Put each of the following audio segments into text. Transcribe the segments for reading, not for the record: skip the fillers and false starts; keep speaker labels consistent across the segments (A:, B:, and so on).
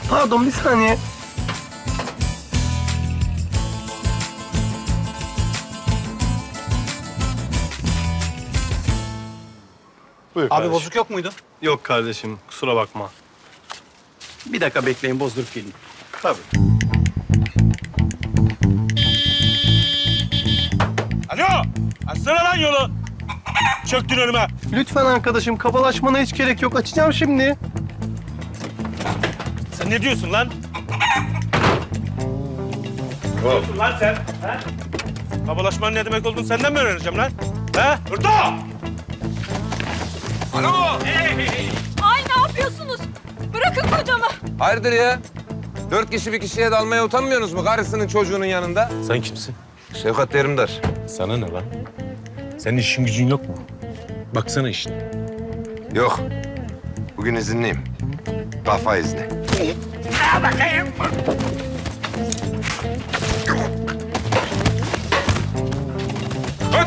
A: Pardon, bir saniye. Buyur
B: Abi
A: kardeşim.
B: bozuk yok muydu?
A: Yok kardeşim, kusura bakma.
B: Bir dakika bekleyin, bozdurup geleyim.
A: Tabii.
C: Alo! Açsana lan yolu! Çöktün önüme.
A: Lütfen arkadaşım, kabalaşmana hiç gerek yok. Açacağım şimdi.
C: Sen ne diyorsun lan? Ne diyorsun lan sen? Ha? Babalaşmanın ne demek olduğunu senden mi öğreneceğim lan? Ha? Hırto!
D: Alo!
E: Ay ne yapıyorsunuz? Bırakın kocamı.
D: Hayırdır ya? 4 kişi bir kişiye dalmaya utanmıyorsunuz mu karısının çocuğunun yanında?
C: Sen kimsin?
D: Şevkat Derimdar.
C: Sana ne lan? Senin işin gücün yok mu? Baksana işine.
D: Yok. Bugün izinliyim. Kafa izni. Kalk.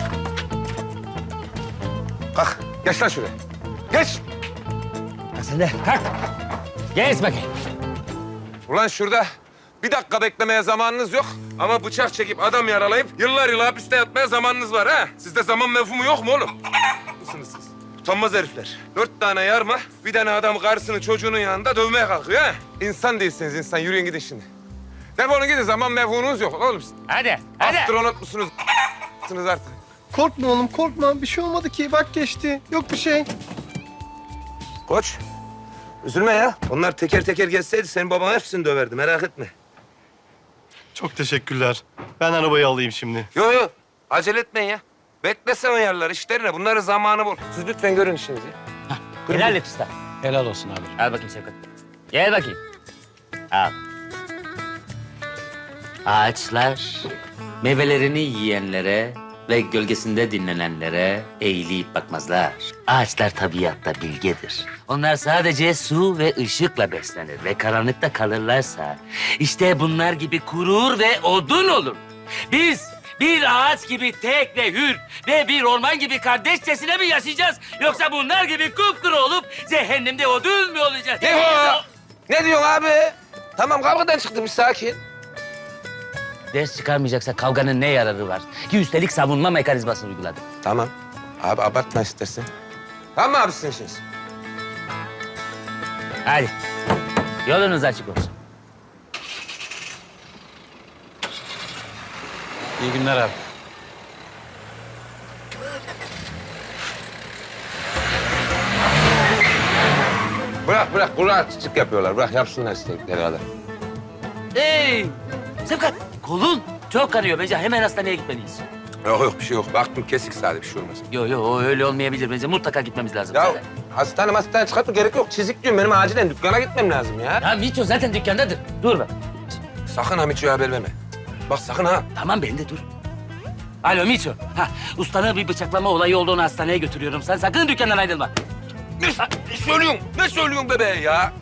D: Kalk. Geç lan şuraya. Geç.
F: Mesele. Kalk. Geç bakayım.
D: Ulan şurada bir dakika beklemeye zamanınız yok. Ama bıçak çekip adam yaralayıp yıllar yıl hapiste yatmaya zamanınız var ha. Sizde zaman mefhumu yok mu oğlum? Mısınız siz? Utanmaz herifler. 4 tane yarma, bir tane adam karısını çocuğunun yanında dövmeye kalkıyor ha. İnsan değilsiniz insan. Yürüyün gidin şimdi. Defolun gidin. Zaman mefhumunuz yok oğlum.
F: Hadi, hadi.
D: Astronot musunuz? Artık.
A: Korkma oğlum, korkma. Bir şey olmadı ki. Bak geçti. Yok bir şey.
D: Koç, üzülme ya. Onlar teker teker gelseydi senin baban hepsini döverdi. Merak etme.
A: Çok teşekkürler. Ben arabayı alayım şimdi.
D: Yok yok. Acele etmeyin ya. Beklesene yerler işlerine. Bunların zamanı bul. Siz lütfen görün işinizi.
F: Helal et usta.
B: Helal olsun abi.
F: Al bakayım Şevkat. Gel bakayım. Al. Ağaçlar meyvelerini yiyenlere ve gölgesinde dinlenenlere eğilip bakmazlar. Ağaçlar tabiatta bilgedir. Onlar sadece su ve ışıkla beslenir ve karanlıkta kalırlarsa işte bunlar gibi kurur ve odun olur. Biz bir ağaç gibi tek ve hür ve bir orman gibi kardeşçesine mi yaşayacağız? Yoksa bunlar gibi kupkuru olup cehennemde odun mu olacağız?
D: Ne o? Ne diyorsun abi? Tamam kavgadan çıktı bir sakin.
F: Ders çıkarmayacaksa kavganın ne yararı var? Ki üstelik savunma mekanizmasını uyguladı.
D: Tamam. Abi abartma istersen. Tamam mı abi sizin işiniz?
F: Hadi. Yolunuz açık olsun.
B: İyi günler abi.
D: Bırak bırak. Kulağa çiçek yapıyorlar. Bırak yapsınlar istedikleri kadar.
F: Hey! Sevkat, kolun çok kanıyor. Bence hemen hastaneye gitmeliyiz.
D: Yok yok bir şey yok. Baktım kesik sadece bir şey olmaz.
F: Yok o öyle olmayabilir. Bence mutlaka gitmemiz lazım.
D: Ya hastane çıkartma gerek yok. Çizik diyorum. Benim acilen dükkana gitmem lazım ya.
F: Ya Miço zaten dükkandadır. Dur bak.
D: Sakın ha Miço'ya haber verme. Bak sakın ha.
F: Tamam ben de dur. Alo Miço. Ha, ustanın bir bıçaklama olayı olduğunu hastaneye götürüyorum. Sen sakın dükkandan ayrılma.
D: Ne söylüyorsun? Ne söylüyorsun bebeğe ya?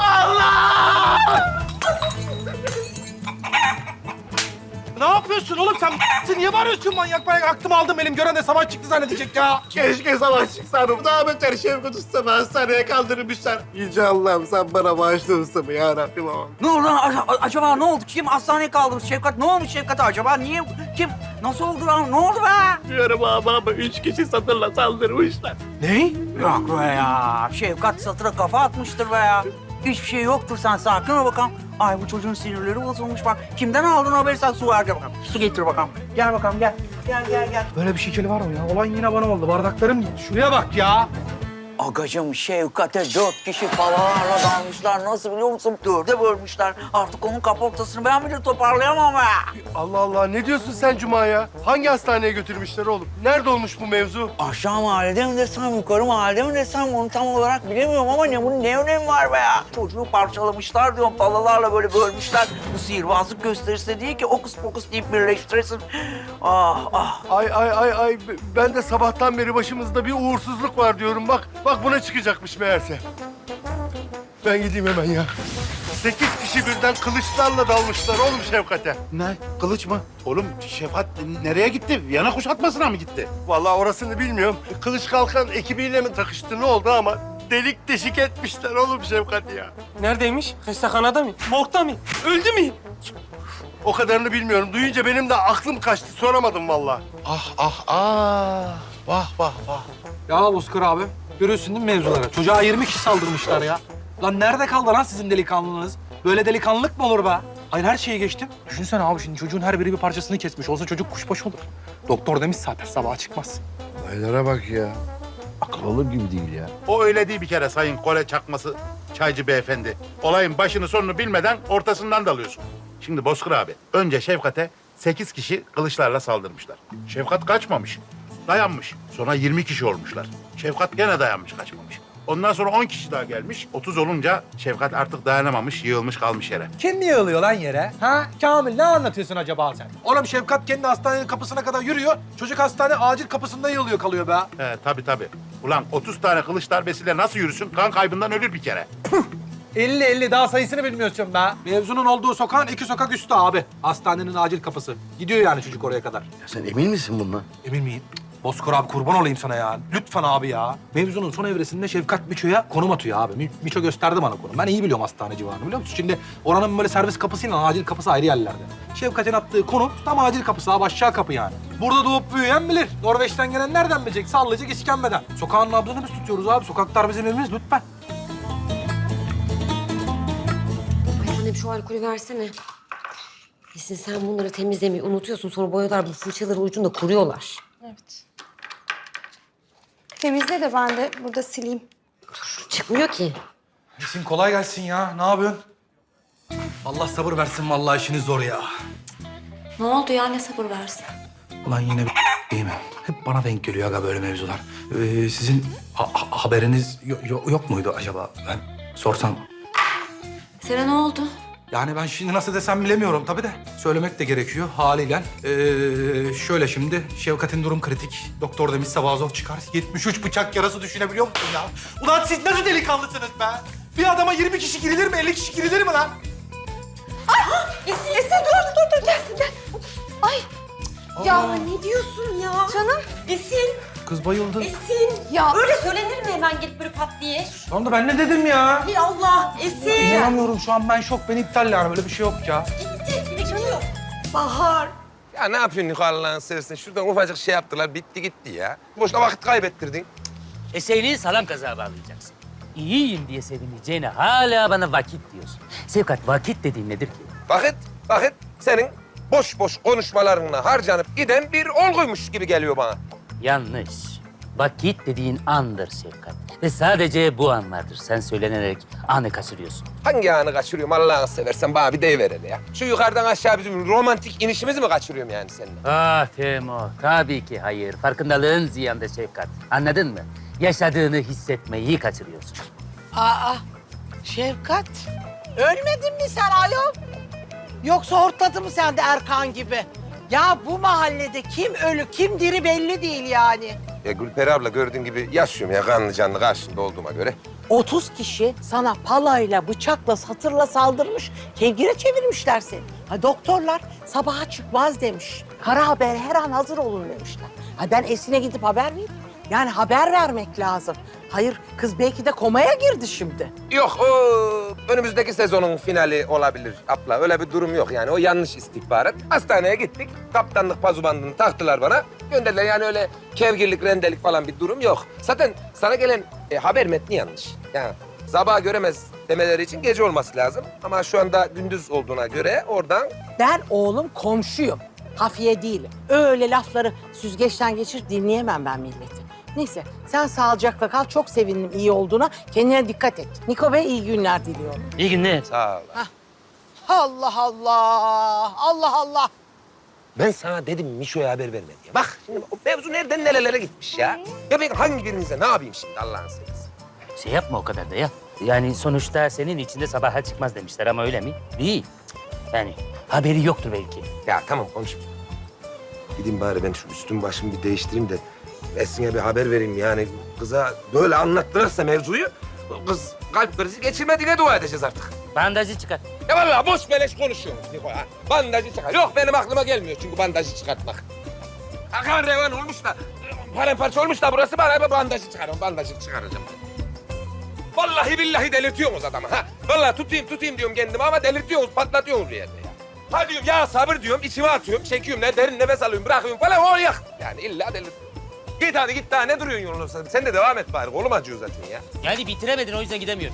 G: Ne yapıyorsun oğlum sen? Sen niye bağırıyorsun manyak manyak? Aklımı aldım elim. Gören de savaş çıktı zannedecek ya.
H: Keşke savaş çıksaydım. Daha beter Şevkat Usta'mı hastaneye kaldırmışlar. Yüce Allah'ım sen bana bağışla ustamı ya Rabbim aman.
I: Ne oldu lan? Acaba ne oldu? Kim hastaneye kaldırdı? Şevkat ne olmuş Şevkat'e acaba? Niye? Kim? Nasıl oldu lan? Ne oldu be?
H: Diyorum ama 3 kişi satırla saldırmışlar.
I: Ne? Yok be ya. Şevkat satıra kafa atmıştır be ya. Hiçbir şey yoktur sen sakin ol bakalım. Ay bu çocuğun sinirleri bozulmuş bak. Kimden aldın haberi sen su ver bakalım. Su getir bakalım. Gel bakalım gel. Gel.
G: Böyle bir şekil var mı ya? Olan yine bana oldu. Bardaklarım gitti. Şuraya bak ya.
I: Agacım Şevkat'e 4 kişi palalarla dalmışlar. Nasıl biliyor musun? 4'e bölmüşler. Artık onun kaportasını ben bile toparlayamam be.
A: Allah Allah, ne diyorsun sen Cuma ya? Hangi hastaneye götürmüşler oğlum? Nerede olmuş bu mevzu?
I: Aşağı mahallede mi desem, yukarı mahallede mi desem onu tam olarak bilemiyorum ama bunun ne önemi var be ya? Çocuğu parçalamışlar diyorum, palalarla böyle bölmüşler. Bu sihirbazlık gösterisi değil ki okus pokus deyip birleştiresin. Ah.
A: Ay. Ben de sabahtan beri başımızda bir uğursuzluk var diyorum. Bak buna çıkacakmış meğerse. Ben gideyim hemen ya. 8 kişi birden kılıçlarla dalmışlar oğlum Şevkat'e.
G: Ne? Kılıç mı? Oğlum Şevkat nereye gitti? Viyana kuşatmasına mı gitti?
A: Vallahi orasını bilmiyorum. Kılıç Kalkan ekibiyle mi takıştı ne oldu ama delik deşik etmişler oğlum Şefkat ya.
G: Neredeymiş? Hastahanede mi? Morgda mı? Öldü mü?
A: O kadarını bilmiyorum. Duyunca benim de aklım kaçtı. Soramadım vallahi.
G: Ya Bozkır abi, görüyorsun değil mi mevzuları? Çocuğa 20 kişi saldırmışlar ya. Lan nerede kaldı lan sizin delikanlılığınız? Böyle delikanlılık mı olur be? Hayır her şeyi geçtim. Düşünsene abi şimdi çocuğun her biri bir parçasını kesmiş. Olsa çocuk kuşbaşı olur. Doktor demiş zaten sabaha çıkmaz.
A: Aylara bak ya.
J: O öyle değil bir kere Sayın Kore Çakması Çaycı Beyefendi. Olayın başını sonunu bilmeden ortasından dalıyorsun. Şimdi Bozkır abi, önce Şefkat'e 8 kişi kılıçlarla saldırmışlar. Şefkat kaçmamış, dayanmış. Sonra 20 kişi olmuşlar. Şefkat gene dayanmış, kaçmamış. Ondan sonra 10 kişi daha gelmiş. 30 olunca Şefkat artık dayanamamış, yığılmış kalmış yere.
G: Kim niye yığılıyor lan yere? Ha? Kamil ne anlatıyorsun acaba sen? Oğlum Şefkat kendi hastanenin kapısına kadar yürüyor. Çocuk hastane acil kapısında yığılıyor kalıyor be.
J: He tabii. Ulan 30 tane kılıç darbesiyle nasıl yürüsün? Kan kaybından ölür bir kere.
G: 50 daha sayısını bilmiyorsun be. Mevzunun olduğu sokağın 2 sokak üstü abi. Hastanenin acil kapısı. Gidiyor yani çocuk oraya kadar.
A: Sen emin misin bundan?
G: Emin miyim? Bozkır abi kurban olayım sana ya. Lütfen abi ya. Mevzunun son evresinde Şefkat Miço'ya konum atıyor abi. Miço gösterdi bana konum. Ben iyi biliyorum hastane civarını biliyor musun? Şimdi oranın böyle servis kapısıyla acil kapısı ayrı yerlerde. Şefkat'in attığı konum tam acil kapısı abi aşağı kapı yani. Burada doğup büyüyen bilir. Norveç'ten gelen nereden bilecek? Sallayacak iskembeden. Sokağın nabzını biz tutuyoruz abi. Sokaklar bizim evimiz lütfen.
E: Ay annem şu alkolü versene. Esin sen bunları temizlemeyi unutuyorsun. Sonra boyalar bu fırçaların ucunda kuruyorlar.
K: Evet. Temizle de ben de burada sileyim.
E: Çıkmıyor ki.
G: Esin kolay gelsin ya. Ne yapıyorsun? Allah sabır versin vallahi işiniz zor ya.
E: Ne oldu ya? Ne sabır versin?
G: Ulan yine bir değil mi? Hep bana denk geliyor aga böyle mevzular. Sizin haberiniz yok muydu acaba? Ben sorsam.
E: Sana ne oldu?
G: Yani ben şimdi nasıl desem bilemiyorum tabii de. Söylemek de gerekiyor haliyle. Şöyle şimdi Şevkat'in durum kritik. Doktor demiş sabah zor çıkar. 73 bıçak yarası düşünebiliyor musun ya? Ulan siz nasıl delikanlısınız be? Bir adama 20 kişi girilir mi? 50 kişi girilir mi lan?
E: Esin dur gelsin gel. Ay. Ya ne diyorsun ya?
K: Canım.
E: Esin.
G: Kız bayıldı.
E: Esin.
K: Ya
E: Öyle söylenir mi hemen gelip böyle pat diye?
G: Tamam da ben ne dedim ya?
E: Ey Allah Esin.
G: İnanamıyorum şu an ben şok. Beni iptal yani böyle bir şey yok ya.
E: Gitti. Bekliyor. Bahar.
D: Ya ne yapıyorsun Niko Allah'ını seversen? Şuradan ufacık şey yaptılar, bitti gitti ya. Boşuna vakit kaybettirdin.
F: Eseğini salam kazağa bağlayacaksın. İyiyim diye sevineceğine hala bana vakit diyorsun. Sevkat vakit dediğin nedir ki?
D: Vakit senin boş boş konuşmalarınla harcanıp giden bir olguymuş gibi geliyor bana.
F: Yanlış. Vakit dediğin andır Sevkat. Ve sadece bu an vardır. Sen söylenerek anı kaçırıyorsun.
D: Hangi anı kaçırıyorum Allah'ını seversen bana bir deyiver hele ya. Şu yukarıdan aşağı bizim romantik inişimizi mi kaçırıyorum yani seninle?
F: Ah Temo, tabii ki hayır. Farkındalığın ziyanda Şefkat. Anladın mı? Yaşadığını hissetmeyi kaçırıyorsun.
I: Aa, Şefkat. Ölmedin mi sen ayol? Yoksa hortladı mı sen de Erkan gibi? Ya bu mahallede kim ölü kim diri belli değil yani.
D: Ya Gülperi abla gördüğün gibi yaşıyorum ya kanlı canlı karşında olduğuma göre.
I: 30 kişi sana palayla, bıçakla, satırla saldırmış. Kevgire çevirmişler seni. Ha, doktorlar sabaha çıkmaz demiş. Kara haber her an hazır olun demişler. Ha, ben Esin'e gidip haber vereyim. Yani haber vermek lazım. Hayır, kız belki de komaya girdi şimdi.
D: Yok o önümüzdeki sezonun finali olabilir abla. Öyle bir durum yok yani o yanlış istihbarat. Hastaneye gittik. Kaptanlık pazubandını taktılar bana. Gönderdiler yani öyle kevgirlik, rendelik falan bir durum yok. Zaten sana gelen haber metni yanlış. Yani sabah göremez demeleri için gece olması lazım. Ama şu anda gündüz olduğuna göre oradan...
I: Ben oğlum komşuyum. Hafiye değilim. Öyle lafları süzgeçten geçir dinleyemem ben milleti. Neyse sen sağlıcakla kal. Çok sevindim iyi olduğuna. Kendine dikkat et. Niko Bey iyi günler diliyorum.
F: İyi günler.
D: Sağ ol.
I: Allah Allah. Allah Allah.
D: Ben sana dedim Mişo'ya haber verme diye. Bak şimdi o mevzu nereden nerelere gitmiş ya. Ya ben hangi birinize ne yapayım şimdi Allah'ını seversen.
F: Şey yapma o kadar da ya. Yani sonuçta senin içinde sabaha çıkmaz demişler ama öyle mi? Değil. Yani haberi yoktur belki.
D: Ya tamam konuşma. Gideyim bari ben şu üstüm başımı bir değiştireyim de Esin'e bir haber vereyim yani. Kıza böyle anlattırırsa mevzuyu kız kalp krizi geçirmediğine dua edeceğiz artık.
F: Bandajı çıkar.
D: Ya vallahi boş beleş konuşuyorsunuz Niko ha. Bandajı çıkar. Yok benim aklıma gelmiyor çünkü bandajı çıkartmak. Akan revan olmuş da paramparça olmuş da burası bana bir bandajı çıkarım. Bandajı çıkaracağım ben. Vallahi billahi delirtiyorsunuz adamı ha. Vallahi tutayım diyorum kendimi ama delirtiyorsunuz, patlatıyorsunuz bir yerde ya. Ha diyorum ya sabır diyorum, içime atıyorum, çekiyorum, ne derin nefes alıyorum, bırakıyorum falan, o yak. Yani illa delirt. Git hadi git daha ne duruyorsun yolun? Sen de devam et bari, kolum acıyor zaten ya.
F: Yani bitiremedin o yüzden gidemiyorum.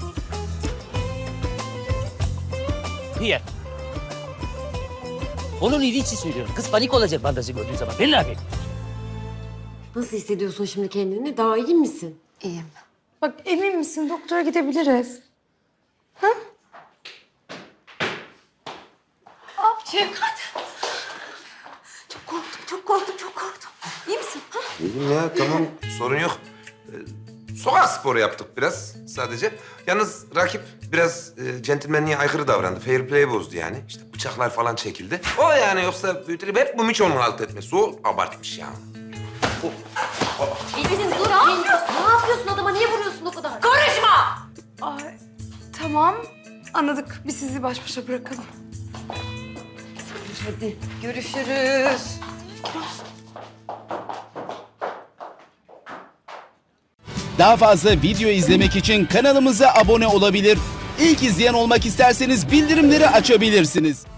F: Niye? Onun iyiliği için söylüyorum. Kız panik olacak bandajı gördüğü zaman. Belli abi.
E: Nasıl hissediyorsun şimdi kendini? Daha iyi misin?
K: İyiyim. Bak emin misin? Doktora gidebiliriz. Ha? Şevkat. Çok korktum. İyi misin? Ha?
D: İyiyim ya, tamam. Sorun yok. Sokak sporu yaptık biraz sadece. Yalnız rakip biraz centilmenliğe aykırı davrandı. Fair play bozdu yani. İşte bıçaklar falan çekildi. O yani, yoksa büyütülüp hep bu Miço'nun halt etmesi. O abartmış ya.
E: Elif'in dur. Ne yapıyorsun adama? Niye vuruyorsun o kadar? Karışma!
K: Ay, tamam. Anladık. Biz sizi baş başa bırakalım.
E: Hadi görüşürüz.
L: Daha fazla video izlemek için kanalımıza abone olabilir. İlk izleyen olmak isterseniz bildirimleri açabilirsiniz.